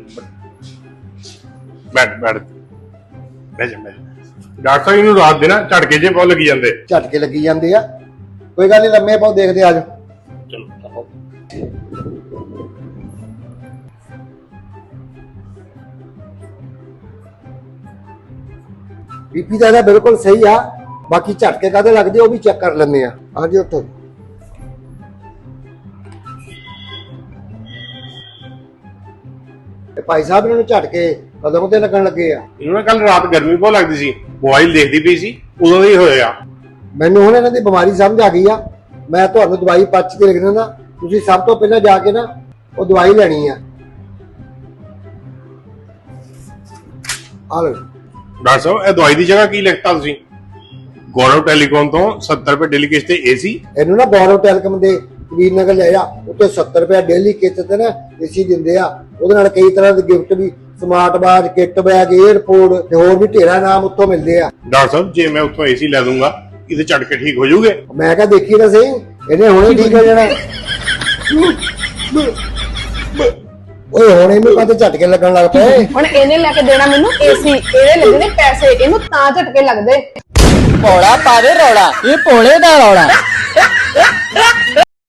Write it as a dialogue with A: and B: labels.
A: बैठ बैठ बह जा डॉक्टर साहब इन्हू रात देना झटके जे बहुत लगी जाते
B: झटके लगी जाते आ कोई गल नहीं लम्मे पाओ देखते आज
A: चलो
B: बीपी तो बिल्कुल सही आ बाकी झटके काहदे लगदे वो भी चेक कर लेंगे हाँ जी उठो भाई साहब इन्होंने झटके कदों ते लगन लगे आ
A: इन्होंने कल रात गर्मी बहुत लगती सी मोबाइल देखती पई सी उदों दा ही होया
B: मैनूं हुण इन्हां दी बीमारी समझ आ गई आ मैं तुहानूं दवाई पर्ची ते लिख दिंदा तुसीं सब तो पहले जाके ना वो दवाई लैनी आ लो
A: डॉक्टर साहब ਇਹ ਦਵਾਈ ਦੀ ਜਗ੍ਹਾ ਕੀ ਲਿਖਤਾ ਤੁਸੀਂ ਗੌਰਵ ਟੈਲੀਕਾਮ ਤੋਂ 70 ਰੁਪਏ ਡੇਲੀ ਕਿਸ਼ਤ ਤੇ ਏਸੀ
B: ਇਹਨੂੰ ਨਾ ਗੌਰਵ ਟੈਲਕਮ ਦੇ ਕਬੀਰ ਨਗਰ ਲੈ ਜਾ ਉੱਤੇ 70 ਰੁਪਏ ਡੇਲੀ ਕਿਸ਼ਤ ਤੇ ਨਾ ਏਸੀ ਦਿੰਦੇ ਆ ਉਹਦੇ ਨਾਲ ਕਈ ਤਰ੍ਹਾਂ ਦੇ ਗਿਫਟ ਵੀ smart watch kit bag airport ਤੇ ਹੋਰ ਵੀ ਢੇਰਾ ਨਾਮ ਉੱਥੋਂ ਮਿਲਦੇ ਆ
A: ਡਾਕਟਰ ਸਾਹਿਬ ਜੇ ਮੈਂ ਉੱਥੋਂ ਏਸੀ ਲੈ ਦੂੰਗਾ ਇਹਦੇ ਝਟਕੇ ਠੀਕ ਹੋ ਜਾਊਗੇ
B: ਮੈਂ ਕਿਹਾ ਦੇਖੀ ਤਾਂ ਸਹੀ ਇਹਨੇ ਹੁਣੇ ਠੀਕ ਹੋ ਜਾਣਾ ਓਏ ਹੁਣ ਇਹਨੂੰ ਕਾਹਦੇ ਝਟਕੇ ਲੱਗਣ ਲੱਗ ਪਏ
C: ਹੁਣ ਇਹਨੇ ਲੈ ਕੇ ਦੇਣਾ ਮੈਨੂੰ ਏਸੀ ਇਹਦੇ ਲੱਗਣੇ ਪੈਸੇ ਇਹਨੂੰ ਤਾਂ ਝਟਕੇ ਲੱਗਦੇ
D: ਭੋਲਾ ਪਾਵੇ ਰੌਲਾ ਇਹ ਭੋਲੇ ਦਾ ਰੌਲਾ